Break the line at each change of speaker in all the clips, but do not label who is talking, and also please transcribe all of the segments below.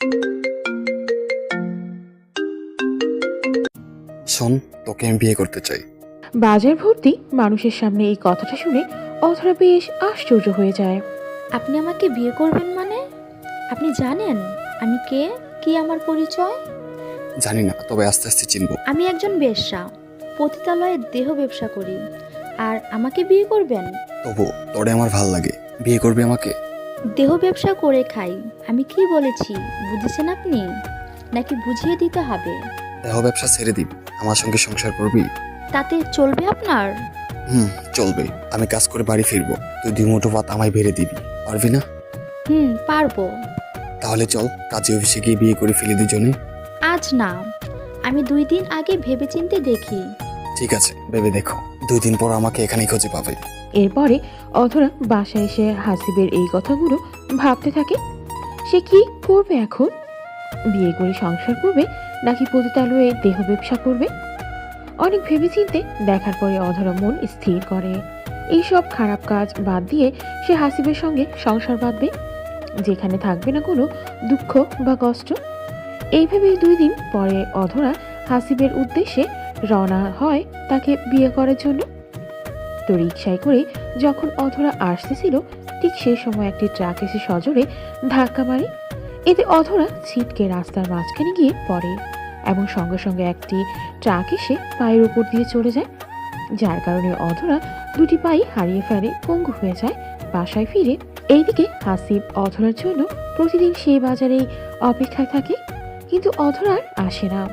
শোন, তোকে আমি বিয়ে করতে চাই।
বাজার ভর্তি মানুষের সামনে এই কথাটা শুনে অধরা বেশ আশ্চর্য হয়ে যায়।
আপনি আমাকে বিয়ে করবেন মানে? আপনি জানেন আমি কে, কি আমার পরিচয়?
জানি না, তবে আস্তে আস্তে চিনবো।
আমি একজন বেশ্যা, পতিতালয়ে দেহ ব্যবসা করি। আর আমাকে বিয়ে করবেন?
তবু তোরে আমার ভাল লাগে, বিয়ে করবি আমাকে?
দেহ ব্যবসা করে খাই। আমি কি বলেছি বুঝেছেন আপনি, নাকি বুঝিয়ে দিতে হবে?
দেহ ব্যবসা ছেড়ে দিবি, আমার সঙ্গে সংসার করবি?
তাতে চলবে আপনার?
চলবে। আমি কাজ করে বাড়ি ফিরবো, তুই 2 মুঠো ভাত আমায় বেড়ে দিবি, পারবি না?
পারবো।
তাহলে চল কাজে অফিসে গিয়ে বিয়ে করে ফেলি দুজনে।
আজ না, আমি 2 দিন আগে ভেবেচিন্তে দেখি।
ঠিক আছে, ভেবে দেখো, 2 দিন পর আমাকে এখানেই খুঁজে পাবে।
এরপরে অধরা বাসায় এসে হাসিবের এই কথাগুলো ভাবতে থাকে। সে কি করবে এখন? বিয়ে করে সংসার করবে নাকি পতিতালয়ে দেহ ব্যবসা করবে? অনেক ভেবেচিন্তে দেখার পরে অধরা মন স্থির করে এইসব খারাপ কাজ বাদ দিয়ে সে হাসিবের সঙ্গে সংসার বাঁধবে, যেখানে থাকবে না কোনো দুঃখ বা কষ্ট। এইভাবেই 2 দিন পরে অধরা হাসিবের উদ্দেশ্যে রওনা হয় তাকে বিয়ে করার জন্য। তো রিকশায় করে যখন অধরা আসতেছিল, ঠিক সেই সময় একটি ট্রাক এসে সজোরে ধাক্কা মারে। এতে অধরা ছিটকে রাস্তার মাঝখানে গিয়ে পড়ে এবং সঙ্গে সঙ্গে একটি ট্রাক এসে পায়ের উপর দিয়ে চলে যায়, যার কারণে অধরা 2টি পাই হারিয়ে ফেলে, পঙ্গু হয়ে যায় বাসায় ফিরে। এইদিকে হাসিব অধরার জন্য প্রতিদিন সেই বাজারেই অপেক্ষায় থাকে, কিন্তু অধরার আসে না।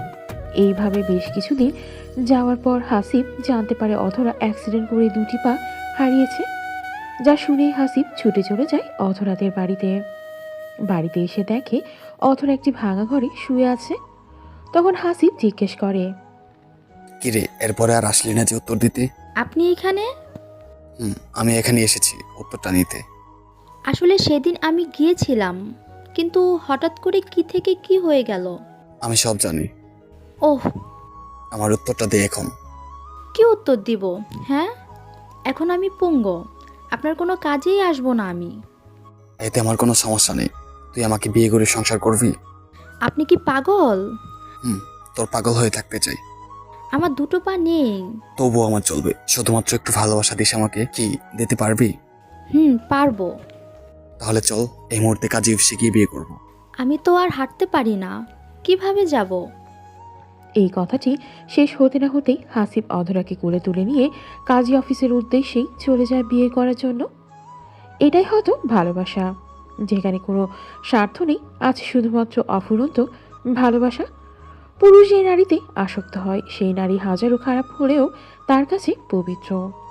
এইভাবে বেশ কিছুদিন যাওয়ার পর হাসিব জানতে পারে অধরা অ্যাক্সিডেন্ট করে 2টি পা হারিয়েছে। যা শুনে হাসিব ছুটে চলে যায় অধরাদের বাড়িতে। বাড়িতে এসে দেখে অধরা একটি ভাঙা ঘরে শুয়ে আছে। তখন হাসিব জিজ্ঞেস করে,
কিরে, এরপরে আর আসলি না যে উত্তর দিতে?
আপনি এখানে?
আমি এখানে এসেছি উত্তরটা নিতে।
আসলে সেদিন আমি গিয়েছিলাম, কিন্তু হঠাৎ করে কি থেকে কি হয়ে গেল।
আমি সব জানি,
ওহ,
আমার উত্তরটা দে এখন।
কি উত্তর দিব? হ্যাঁ, এখন আমি পঙ্গু, আপনার কোনো কাজেই আসবো না আমি।
এতে আমার কোনো সমস্যা নেই, তুই আমাকে বিয়ে করে সংসার করবি?
আপনি কি পাগল?
তোর পাগল হয়ে থাকতে চাই।
আমার 2টো পা নেই।
তবুও আমার চলবে, শুধুমাত্র একটু ভালোবাসা দিস আমাকে। কি দিতে পারবি?
পারবো।
তাহলে চল এই মুহূর্তে কাজে অফিসে গিয়ে বিয়ে করবো।
আমি তো আর হাঁটতে পারি না, কিভাবে যাব?
এই কথাটি শেষ হতে না হতেই হাসিব অধরাকে কোলে তুলে নিয়ে কাজী অফিসের উদ্দেশ্যেই চলে যায় বিয়ে করার জন্য। এটাই হয়তো ভালোবাসা, যেখানে কোনো স্বার্থ নেই, আছে শুধুমাত্র অফুরন্ত ভালোবাসা। পুরুষ যে নারীতে আসক্ত হয়, সেই নারী হাজারো খারাপ হলেও তার কাছে পবিত্র।